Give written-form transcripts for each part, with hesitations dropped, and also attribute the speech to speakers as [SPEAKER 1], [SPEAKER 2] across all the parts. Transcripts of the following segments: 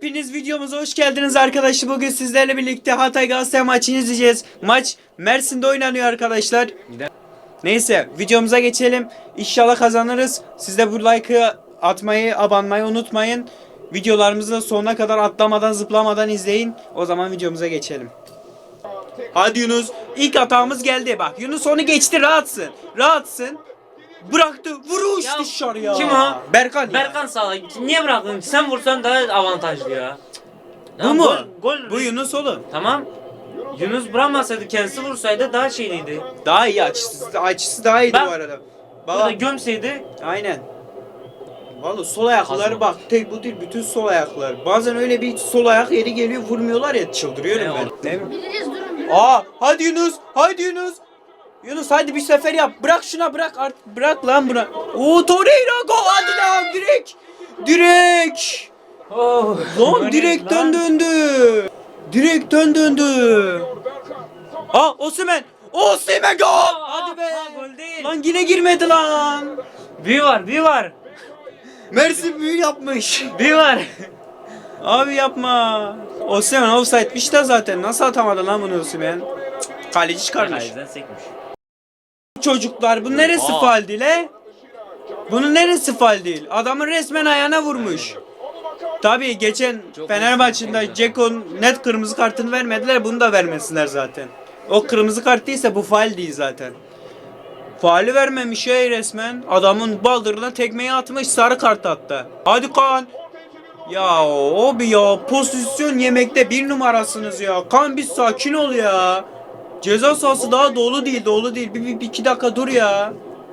[SPEAKER 1] Hepiniz videomuza hoş geldiniz arkadaşlar. Bugün sizlerle birlikte Hatay Galatasaray maçını izleyeceğiz. Maç Mersin'de oynanıyor arkadaşlar. Neyse videomuza geçelim. İnşallah kazanırız. Siz de bu like'ı atmayı, abanmayı unutmayın. Videolarımızı da sonuna kadar atlamadan zıplamadan izleyin. O zaman videomuza geçelim. Hadi Yunus. İlk hatamız geldi. Bak Yunus onu geçti, rahatsın. Rahatsın. Bıraktı. Vuruş
[SPEAKER 2] Ya,
[SPEAKER 1] dışarıya.
[SPEAKER 2] kim o?
[SPEAKER 1] Berkan ya.
[SPEAKER 2] Berkan sağ. Niye bıraktın? Sen vursan daha avantajlı ya.
[SPEAKER 1] Bu mu?
[SPEAKER 2] Gol.
[SPEAKER 1] Bu Yunus oğlum.
[SPEAKER 2] Tamam. Yunus bırakmasaydı, kendisi vursaydı daha şeyliydi.
[SPEAKER 1] Daha iyi, açısı daha iyiydi
[SPEAKER 2] Bak,
[SPEAKER 1] bu arada.
[SPEAKER 2] Burada
[SPEAKER 1] Baba
[SPEAKER 2] gömseydi.
[SPEAKER 1] aynen. Vallahi sol ayakları
[SPEAKER 2] Kazma.
[SPEAKER 1] bak, tek bu değil, bütün sol ayaklar. Bazen öyle bir sol ayak yeri geliyor, vurmuyorlar ya, çıldırıyorum
[SPEAKER 2] Ne
[SPEAKER 1] ben. Değil mi?
[SPEAKER 3] Biliriz durun.
[SPEAKER 1] Hadi Yunus, hadi Yunus. Yunus hadi bir sefer yap. Bırak şuna, bırak artık, bırak lan buna. Torreira gol, hadi lan direkt. Direkt.
[SPEAKER 2] Oh.
[SPEAKER 1] Lan direkten döndü. Direkten döndü. Osimhen. Osimhen gol. Hadi be.
[SPEAKER 2] Gol değil.
[SPEAKER 1] Lan yine girmedi lan.
[SPEAKER 2] Bir var.
[SPEAKER 1] Mersin büyü yapmış.
[SPEAKER 2] Bir var.
[SPEAKER 1] Abi yapma. Osimhen offside'miş de zaten. Nasıl atamadı lan bunu Osimhen? Kaleci çıkarmış.
[SPEAKER 2] Kaleciden sekmiş.
[SPEAKER 1] Çocuklar bu neresi faul değil he? Bunun neresi faul değil? Adamın resmen ayağına vurmuş. Tabii geçen Fener maçında Ceko'nun net kırmızı kartını vermediler. Bunu da vermesinler zaten. O kırmızı kart değilse bu faul değil zaten. Faali vermemiş ya resmen. Adamın baldırına tekmeyi atmış, sarı kart attı. Hadi Kaan. Ya abi ya, pozisyon yemekte bir numarasınız ya. Kaan bir sakin ol ya. Ceza sahası daha dolu değil. Bir iki dakika dur ya.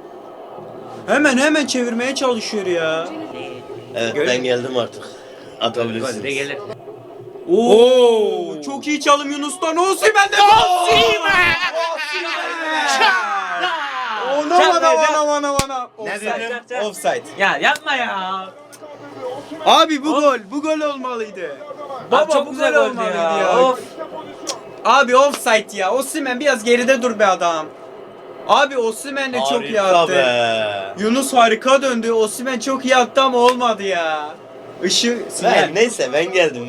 [SPEAKER 1] Hemen çevirmeye çalışıyor ya.
[SPEAKER 4] Evet
[SPEAKER 1] Gördün
[SPEAKER 4] ben
[SPEAKER 1] mü?
[SPEAKER 4] geldim artık.
[SPEAKER 2] Gol de
[SPEAKER 4] Atabilirsiniz.
[SPEAKER 2] gelir.
[SPEAKER 1] Oo, çok iyi çalım Yunus'tan. Osimhen de Osimhen! Aman.
[SPEAKER 2] Offside.
[SPEAKER 1] Offside.
[SPEAKER 2] Ya yapma ya.
[SPEAKER 1] Abi bu gol olmalıydı. Baba
[SPEAKER 2] çok
[SPEAKER 1] bu
[SPEAKER 2] güzel
[SPEAKER 1] gol
[SPEAKER 2] goldü
[SPEAKER 1] olmalıydı
[SPEAKER 2] ya.
[SPEAKER 1] ya.
[SPEAKER 2] Of.
[SPEAKER 1] Abi offside ya. Osimhen biraz geride dur be adam. Abi Osimhen de çok iyi
[SPEAKER 4] Harika
[SPEAKER 1] attı.
[SPEAKER 4] be.
[SPEAKER 1] Yunus harika döndü. Osimhen çok iyi attı ama olmadı ya. Sinyal.
[SPEAKER 4] Neyse ben geldim.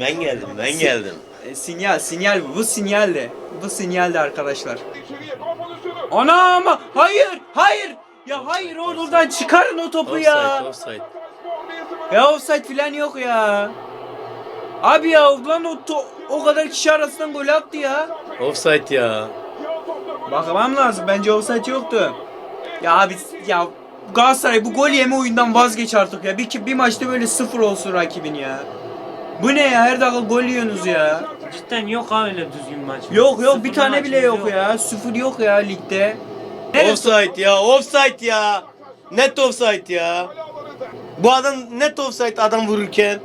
[SPEAKER 1] Sinyal bu. Bu sinyaldi. Bu sinyaldi arkadaşlar. Ana ama hayır. Ya hayır, oradan çıkarın o topu ya.
[SPEAKER 4] Offside.
[SPEAKER 1] Ya offside falan yok ya. Abi ya lan o kadar kişi arasından gol attı ya.
[SPEAKER 4] Offside ya.
[SPEAKER 1] Bakmam lazım. Bence offside yoktu. Ya abi ya Galatasaray bu gol yeme oyundan vazgeç artık ya. Bir maçta böyle 0 olsun rakibin ya. Bu ne ya? Her dakika gol yiyorsunuz ya.
[SPEAKER 2] Cidden yok ha öyle düzgün maç.
[SPEAKER 1] Yok bir
[SPEAKER 2] Sıfır
[SPEAKER 1] tane
[SPEAKER 2] maç
[SPEAKER 1] bile yok ya. 0 yok ya ligde.
[SPEAKER 4] Offside ya. Net offside ya. Bu adam net offside adam vururken.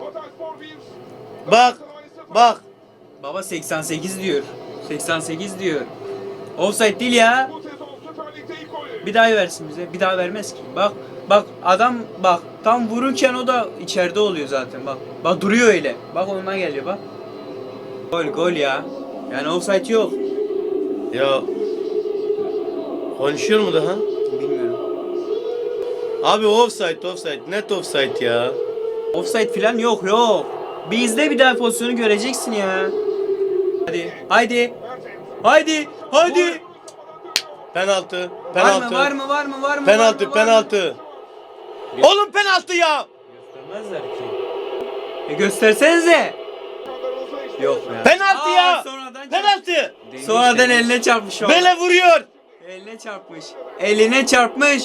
[SPEAKER 4] Bak.
[SPEAKER 1] Baba 88 diyor. 88 diyor. Offside değil ya. Bir daha versin bize. Bir daha vermez ki. Bak adam bak tam vururken o da içeride oluyor zaten bak. Bak duruyor öyle. Bak ondan geliyor bak. Gol ya. Yani offside yok.
[SPEAKER 4] Ya. Konuşuyor mu daha?
[SPEAKER 1] Bilmiyorum.
[SPEAKER 4] Abi offside. Net offside ya.
[SPEAKER 1] Offside falan yok. Bir izle, bir daha pozisyonu göreceksin ya. Haydi.
[SPEAKER 4] Penaltı.
[SPEAKER 1] Var mı?
[SPEAKER 4] Penaltı. Oğlum penaltı ya.
[SPEAKER 2] Göstermezler ki.
[SPEAKER 1] Göstersenize. Yok ya.
[SPEAKER 4] Penaltı ya. Penaltı.
[SPEAKER 1] Sonradan eline çarpmış o.
[SPEAKER 4] Bele vuruyor.
[SPEAKER 1] Eline çarpmış.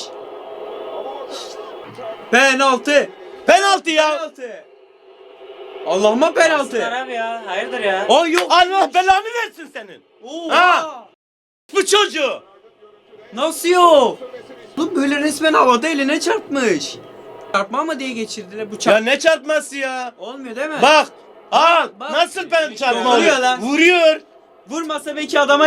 [SPEAKER 1] Penaltı ya. Allah'ıma penaltı.
[SPEAKER 2] Aslan abi ya. Hayırdır ya.
[SPEAKER 1] Yok.
[SPEAKER 4] Allah belanı versin senin.
[SPEAKER 1] Ha.
[SPEAKER 4] Bu çocuğu.
[SPEAKER 1] Nasıl yok? Bu böyle resmen havada eline çarpmış. Çarpma mı diye geçirdiler bu
[SPEAKER 4] Ya ne çarpması ya?
[SPEAKER 1] Olmuyor değil mi?
[SPEAKER 4] Bak. Al.
[SPEAKER 1] Bak.
[SPEAKER 4] Nasıl ben çarpma
[SPEAKER 1] Vuruyor
[SPEAKER 4] oluyor?
[SPEAKER 1] lan.
[SPEAKER 4] Vuruyor.
[SPEAKER 1] Vurmasa belki adama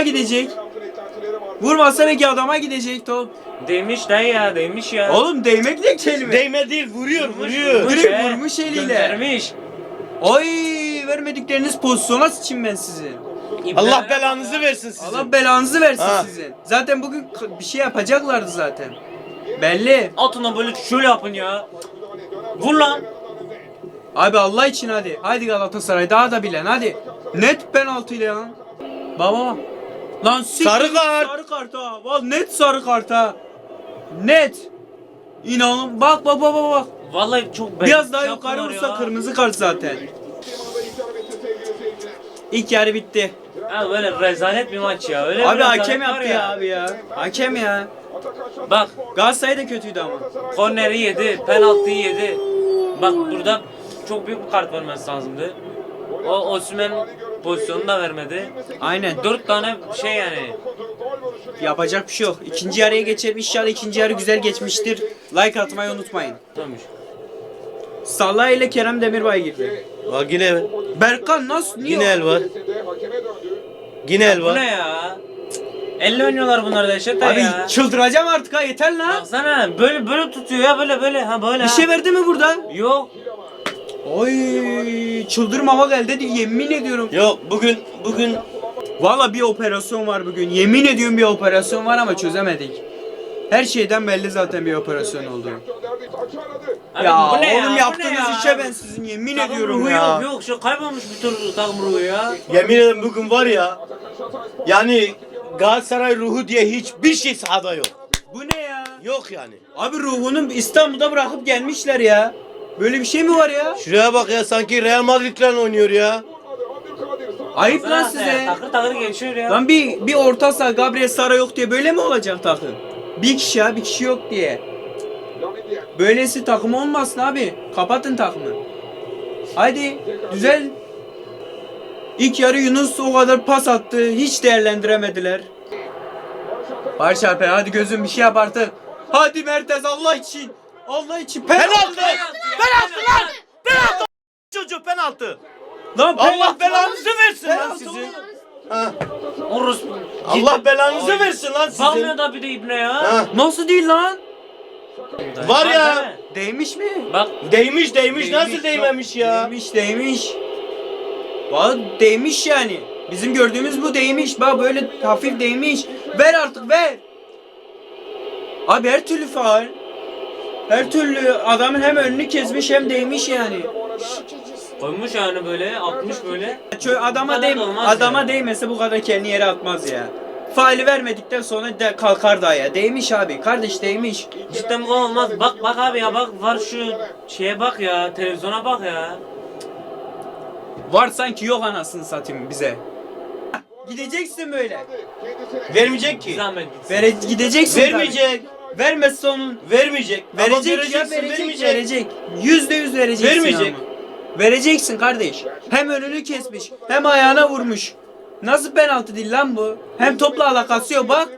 [SPEAKER 1] gidecek top.
[SPEAKER 2] Değmiş dayı ya. Değmiş ya.
[SPEAKER 1] Oğlum değmek ne kelime?
[SPEAKER 4] Değme değil vuruyor.
[SPEAKER 1] Direkt vurmuş eliyle.
[SPEAKER 2] Göndermiş.
[SPEAKER 1] Ay vermedikleriniz pozisyona sıçayım ben sizi.
[SPEAKER 4] Allah belanızı versin sizin.
[SPEAKER 1] Allah belanızı versin
[SPEAKER 4] Ha.
[SPEAKER 1] sizin. Zaten bugün bir şey yapacaklardı zaten. Belli.
[SPEAKER 2] Altına böyle şöyle yapın ya. Vur lan.
[SPEAKER 1] Abi Allah için hadi. Hadi Galatasaray daha da bilen hadi. Net penaltıyla ya. Baba. Lan
[SPEAKER 4] Sarı kart.
[SPEAKER 1] Sarı kart ha. Vallahi net sarı kart ha. Net. İnanın bak bak bak bak.
[SPEAKER 2] Vallahi çok
[SPEAKER 1] Biraz daha
[SPEAKER 2] şey
[SPEAKER 1] yukarı
[SPEAKER 2] yaptılar
[SPEAKER 1] vursa
[SPEAKER 2] ya.
[SPEAKER 1] kırmızı kart zaten. İlk yarı bitti.
[SPEAKER 2] Ya böyle rezalet bir maç ya. Öyle bir
[SPEAKER 1] Abi
[SPEAKER 2] rezalet
[SPEAKER 1] hakem
[SPEAKER 2] var
[SPEAKER 1] yaptı ya abi ya. Hakem ya.
[SPEAKER 2] Bak
[SPEAKER 1] Galatasaray da kötüydü ama.
[SPEAKER 2] korneri yedi, penaltıyı yedi. Bak burada çok büyük bir kart vermesi lazımdı. O Osimhen pozisyonunu da vermedi.
[SPEAKER 1] Aynen.
[SPEAKER 2] 4 tane şey yani.
[SPEAKER 1] Yapacak bir şey yok. İkinci yarıya geçelim. İnşallah ikinci yarı güzel geçmiştir. Like atmayı unutmayın.
[SPEAKER 2] Tamam.
[SPEAKER 1] Salah ile Kerem Demirbay girdi.
[SPEAKER 4] Bak yine
[SPEAKER 1] Berkan nasıl? Niye?
[SPEAKER 4] yine el var. Yine el
[SPEAKER 2] Bu
[SPEAKER 4] var.
[SPEAKER 2] ne ya? Elle oynuyorlar bunlar da Eşet
[SPEAKER 1] Abi
[SPEAKER 2] ya.
[SPEAKER 1] çıldıracağım artık ha yeter lan.
[SPEAKER 2] Baksana böyle tutuyor ya böyle ha böyle.
[SPEAKER 1] Bir şey verdi mi burada?
[SPEAKER 2] Yok.
[SPEAKER 1] Oy çıldırmama geldi dedi yemin ediyorum.
[SPEAKER 4] Yok bugün
[SPEAKER 1] Valla bir operasyon var bugün. Yemin ediyorum bir operasyon var ama çözemedik. Her şeyden belli zaten bir operasyon oldu.
[SPEAKER 2] Abi
[SPEAKER 1] Ya
[SPEAKER 2] bu ne
[SPEAKER 1] oğlum
[SPEAKER 2] Bu ne
[SPEAKER 1] yaptığınız işe ben sizin yemin
[SPEAKER 2] Takım
[SPEAKER 1] ediyorum
[SPEAKER 2] ruhu
[SPEAKER 1] ya.
[SPEAKER 2] Yok şu kaybolmuş bir türlü takım ruhu ya.
[SPEAKER 4] yemin ederim bugün var ya. Yani Galatasaray ruhu diye hiçbir şey sahada yok.
[SPEAKER 1] Bu ne ya?
[SPEAKER 4] Yok yani.
[SPEAKER 1] Abi ruhunu İstanbul'da bırakıp gelmişler ya. Böyle bir şey mi var ya?
[SPEAKER 4] Şuraya bak ya sanki Real Madrid'le oynuyor ya.
[SPEAKER 1] Ayıp lan
[SPEAKER 2] Baksana
[SPEAKER 1] size.
[SPEAKER 2] Takır takır geçiyor ya.
[SPEAKER 1] Lan bir orta saha Gabriel Sara yok diye böyle mi olacak takım? Bir kişi ya bir kişi yok diye. Böylesi takım olmasın abi. Kapatın takımı. Haydi güzel. İlk yarı Yunus o kadar pas attı. Hiç değerlendiremediler. Barış Alper hadi gözüm bir şey yap artık. Hadi Mertens Allah için. Allah için penaltı.
[SPEAKER 4] Penaltı lan! Penaltı! Çocuğu penaltı.
[SPEAKER 1] Lan
[SPEAKER 4] Allah
[SPEAKER 1] penaltı.
[SPEAKER 4] belanızı versin lan
[SPEAKER 1] Penaltı
[SPEAKER 4] sizi.
[SPEAKER 1] oğlum.
[SPEAKER 4] Ha.
[SPEAKER 2] Orus.
[SPEAKER 4] Allah belanızı versin lan sizi.
[SPEAKER 2] Bakmıyor da bir de ibne ya.
[SPEAKER 4] Ha.
[SPEAKER 1] Nasıl değil lan?
[SPEAKER 4] Var ya.
[SPEAKER 2] değil mi?
[SPEAKER 1] Değmiş mi?
[SPEAKER 2] Bak
[SPEAKER 4] Değmiş nasıl değmemiş ya?
[SPEAKER 1] Değmiş. Vallahi değmiş yani. Bizim gördüğümüz bu değmiş. Bak böyle hafif değmiş. Ver artık ver. Abi her türlü faul. Her türlü adamın hem önünü kesmiş hem değmiş yani.
[SPEAKER 2] koymuş yani böyle atmış böyle.
[SPEAKER 1] Adama
[SPEAKER 2] Bu kadar da olmaz
[SPEAKER 1] adama
[SPEAKER 2] ya.
[SPEAKER 1] değmese bu kadar kendi yere atmaz ya. Faali vermedikten sonra de kalkar daha ya. Değmiş abi. Kardeş değmiş.
[SPEAKER 2] Cidden bu olmaz. Bak abi ya bak var şu şeye bak ya televizyona bak ya.
[SPEAKER 1] Var sanki yok anasını satayım bize. Gideceksin böyle.
[SPEAKER 4] Vermeyecek
[SPEAKER 2] Bir
[SPEAKER 4] ki.
[SPEAKER 2] zahmet gitsin.
[SPEAKER 1] Gideceksin.
[SPEAKER 4] Vermeyecek.
[SPEAKER 1] tabii. Vermezse onun
[SPEAKER 4] Vermeyecek. Ama
[SPEAKER 1] verecek ya
[SPEAKER 4] göreceksin,
[SPEAKER 1] verecek. %100 vereceksin
[SPEAKER 4] Vermeyecek.
[SPEAKER 1] ama. Vereceksin kardeş. Hem önünü kesmiş hem ayağına vurmuş. Nasıl penaltı değil lan bu? Hem topla alakası yok bak.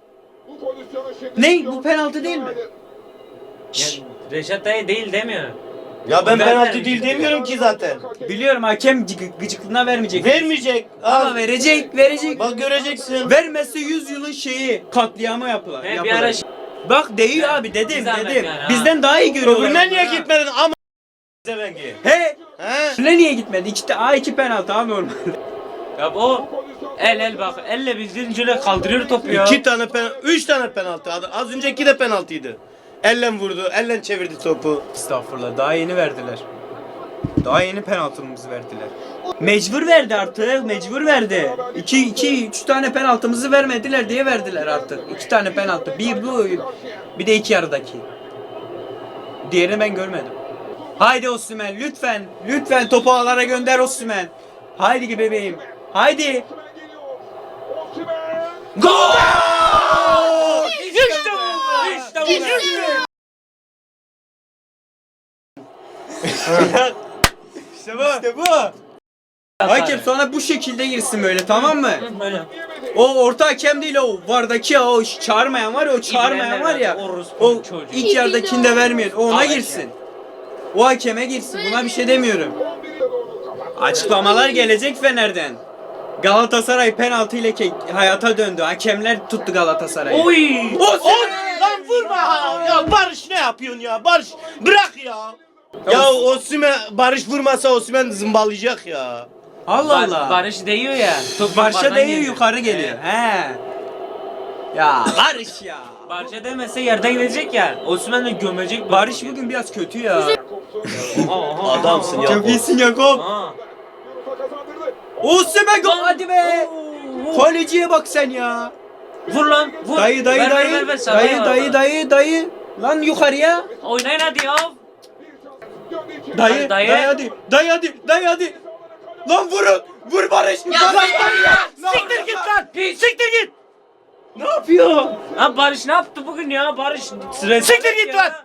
[SPEAKER 1] Ne? Bu penaltı değil mi?
[SPEAKER 2] Ya, Reşat dayı değil demiyor.
[SPEAKER 4] Ya ben
[SPEAKER 2] Ben
[SPEAKER 4] penaltı
[SPEAKER 2] vermeyecek.
[SPEAKER 4] değil demiyorum ki zaten.
[SPEAKER 1] Biliyorum hakem gıcıklığına vermeyecek.
[SPEAKER 4] Vermeyecek.
[SPEAKER 1] Ama
[SPEAKER 4] Al.
[SPEAKER 1] verecek.
[SPEAKER 4] Bak göreceksin.
[SPEAKER 1] Vermezse 100 yılın şeyi katliamı yapılar.
[SPEAKER 2] He, bir ara
[SPEAKER 1] Bak değiyor
[SPEAKER 2] Ya,
[SPEAKER 1] abi dedim
[SPEAKER 2] bir zahmet
[SPEAKER 1] dedim.
[SPEAKER 2] yani, ha.
[SPEAKER 1] Bizden daha iyi görüyorlar.
[SPEAKER 4] Öbürüne niye
[SPEAKER 1] ha.
[SPEAKER 4] gitmedin ama Zevengi.
[SPEAKER 1] He?
[SPEAKER 4] He?
[SPEAKER 1] Ne niye gitmedi? İki penaltı abi normal.
[SPEAKER 2] Ya o el bak elle bildiğin şöyle kaldırıyor topu ya.
[SPEAKER 4] 3 tane penaltı. Az önceki de penaltıydı. Elle vurdu, elle çevirdi topu.
[SPEAKER 1] Estağfurullah daha yeni verdiler. Daha yeni penaltımızı verdiler. Mecbur verdi artık, mecbur verdi. 3 tane penaltımızı vermediler diye verdiler artık. 2 tane penaltı. Bir bu, bir de iki yarıdaki. Diğerini ben görmedim. Haydi Osimhen lütfen topu ağlara gönder Osimhen. Haydi bebeğim. Haydi. Gol!
[SPEAKER 2] İşte bu. İşte bu.
[SPEAKER 1] İşte bu. Hakem sonra bu şekilde girsin böyle tamam mı?
[SPEAKER 2] Böyle.
[SPEAKER 1] O orta hakem değil o vardaki o çağırmayan var ya o çağırmayan var ya o ilk yerdekini de vermiyor o ona girsin. O hakeme girsin buna bir şey demiyorum. Açıklamalar gelecek Fener'den. Galatasaray penaltı ile hayata döndü. Hakemler tuttu Galatasaray'ı.
[SPEAKER 2] Oy.
[SPEAKER 4] Lan vurma! Ya Barış ne yapıyorsun ya? Barış bırak ya. Ya Osimhen Barış vurmasa Osimhen zımbalayacak ya.
[SPEAKER 1] Allah Allah.
[SPEAKER 2] Barış değiyor ya. Top
[SPEAKER 1] Barış'a
[SPEAKER 2] yukarıdan
[SPEAKER 1] değiyor
[SPEAKER 2] geliyor.
[SPEAKER 1] yukarı geliyor.
[SPEAKER 2] Evet.
[SPEAKER 1] He. Ya Barış ya.
[SPEAKER 2] Barış'a demese yerden gidecek ya. Osimhen de gömecek.
[SPEAKER 1] Barış bugün biraz kötü ya.
[SPEAKER 4] Adamsın ya.
[SPEAKER 1] Çok iyisin Yakup.
[SPEAKER 2] Aha.
[SPEAKER 1] Osimhen gol. Hadi be.
[SPEAKER 2] Oo.
[SPEAKER 1] Kaleciye bak sen ya.
[SPEAKER 2] Vur lan vur.
[SPEAKER 1] Dayı
[SPEAKER 2] Ver, ver, ver, sana ya.
[SPEAKER 1] dayı. Lan yukarıya.
[SPEAKER 2] Oynayın hadi ya.
[SPEAKER 1] Dayı
[SPEAKER 2] Dayı.
[SPEAKER 1] hadi. Lan vurun. Vur Barış.
[SPEAKER 2] Ya
[SPEAKER 1] Lan
[SPEAKER 2] Barış
[SPEAKER 1] ya.
[SPEAKER 4] Siktir git lan. Siktir git.
[SPEAKER 1] Ne yapıyor?
[SPEAKER 2] Ha Barış ne yaptı bugün ya? Barış
[SPEAKER 4] Siktir git lan.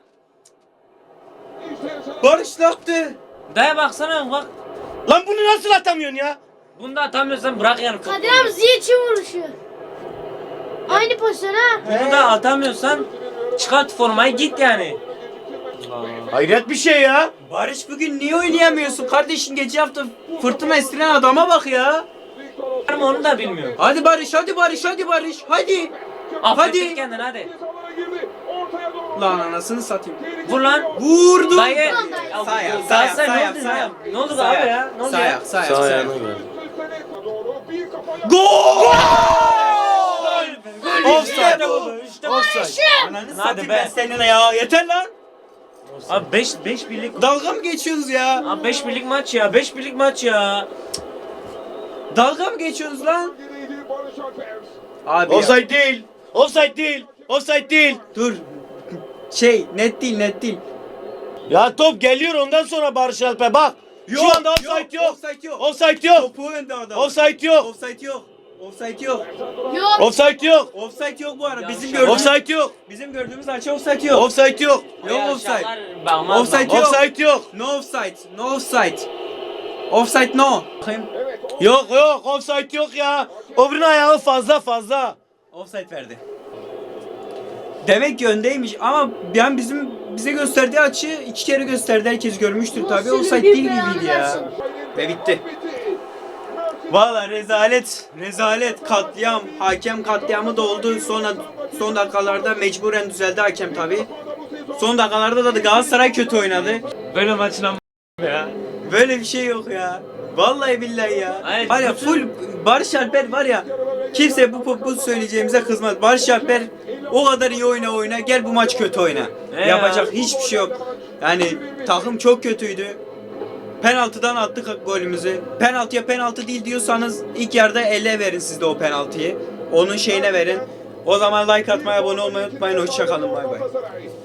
[SPEAKER 1] Barış ne yaptı?
[SPEAKER 2] Daya baksana bak.
[SPEAKER 4] Lan bunu nasıl atamıyorsun ya?
[SPEAKER 2] Bunu da atamıyorsan bırak yani. topu.
[SPEAKER 3] Kadir abi Ziyech'in vuruşu. Aynı pozisyon ha.
[SPEAKER 2] Bunu da atamıyorsan çıkart formayı git yani.
[SPEAKER 4] Hayret bir şey ya.
[SPEAKER 1] Barış bugün niye oynayamıyorsun? Kardeşin geçen hafta fırtına estiren adama bak ya.
[SPEAKER 2] Ama onu da bilmiyorum.
[SPEAKER 1] Hadi Barış. Hadi.
[SPEAKER 2] Affettir kendini hadi.
[SPEAKER 1] Lan anasını satayım.
[SPEAKER 2] Vur lan.
[SPEAKER 1] Vurdu.
[SPEAKER 2] Dayı.
[SPEAKER 3] Dayı.
[SPEAKER 2] Ya
[SPEAKER 1] Sağ ayak,
[SPEAKER 2] bu-
[SPEAKER 1] sağ ayak,
[SPEAKER 2] Galatasaray
[SPEAKER 1] sağ
[SPEAKER 2] ne
[SPEAKER 1] ayak,
[SPEAKER 2] oldu
[SPEAKER 1] sağ
[SPEAKER 2] ya?
[SPEAKER 1] ayak.
[SPEAKER 2] Ne oldu
[SPEAKER 1] Sağ
[SPEAKER 2] abi
[SPEAKER 1] ayak,
[SPEAKER 2] ya? Ne oldu
[SPEAKER 1] Sağ
[SPEAKER 2] ya?
[SPEAKER 1] ayak, sağ ayak,
[SPEAKER 4] Sağ
[SPEAKER 1] sağ ayak.
[SPEAKER 4] ayağına göre.
[SPEAKER 1] Gol!
[SPEAKER 2] İşte bu. İşte bu.
[SPEAKER 1] Ananı
[SPEAKER 2] Hadi
[SPEAKER 1] satayım
[SPEAKER 2] be.
[SPEAKER 1] ben seninle ya. Yeter lan.
[SPEAKER 2] Abi 5 birlik.
[SPEAKER 1] Dalga mı geçiyorsunuz ya?
[SPEAKER 2] Abi 5 birlik maç ya. 5 birlik maç ya.
[SPEAKER 1] Dalga mı geçiyorsunuz lan? Abi ya.
[SPEAKER 4] Offside değil. Offside değil. Offside değil.
[SPEAKER 1] Dur. Net değil.
[SPEAKER 4] Ya top geliyor ondan sonra Barış Alper bak. Şu anda offside yok.
[SPEAKER 1] Offside yok.
[SPEAKER 4] Offside yok.
[SPEAKER 1] Topu önde adam.
[SPEAKER 4] Offside yok.
[SPEAKER 1] Offside yok.
[SPEAKER 3] Yok.
[SPEAKER 4] Offside yok.
[SPEAKER 1] Offside yok bu ara. Bizim
[SPEAKER 2] Yavşak.
[SPEAKER 1] gördüğümüz
[SPEAKER 4] Offside yok.
[SPEAKER 1] bizim gördüğümüz açı offside yok.
[SPEAKER 4] Offside yok.
[SPEAKER 1] Yok
[SPEAKER 2] Ya
[SPEAKER 1] offside.
[SPEAKER 2] şaklar bakmaz
[SPEAKER 1] Offside
[SPEAKER 2] bakmaz.
[SPEAKER 1] yok.
[SPEAKER 4] Offside yok.
[SPEAKER 1] No offside. No offside. Offside no. Bakayım.
[SPEAKER 4] Yok offside yok ya. Öbürünün ayağı fazla.
[SPEAKER 1] Offside verdi. Demek ki öndeymiş ama yani bize gösterdiği açı 2 kere gösterdi. Herkes görmüştür tabii. Offside değil gibiydi ya. Ve bitti. Valla rezalet katliam, hakem katliamı da oldu. Sonra son dakikalarda mecburen düzeldi hakem tabii. Son dakikalarda da Galatasaray kötü oynadı.
[SPEAKER 2] Böyle maçla ya.
[SPEAKER 1] Böyle bir şey yok ya. Vallahi billahi ya.
[SPEAKER 2] Hayır,
[SPEAKER 1] var ya
[SPEAKER 2] bütün-
[SPEAKER 1] full Barış Alper var ya. Kimse bu söyleyeceğimize kızmaz. Barış Alper o kadar iyi oyna gel bu maç kötü oyna. Yapacak hiçbir şey yok. Yani takım çok kötüydü. Penaltıdan attık golümüzü. Penaltıya penaltı değil diyorsanız ilk yarıda ele verin siz de o penaltıyı. Onun şeyine verin. O zaman like atmayı, abone olmayı unutmayın. Hoşça kalın. Bay bay.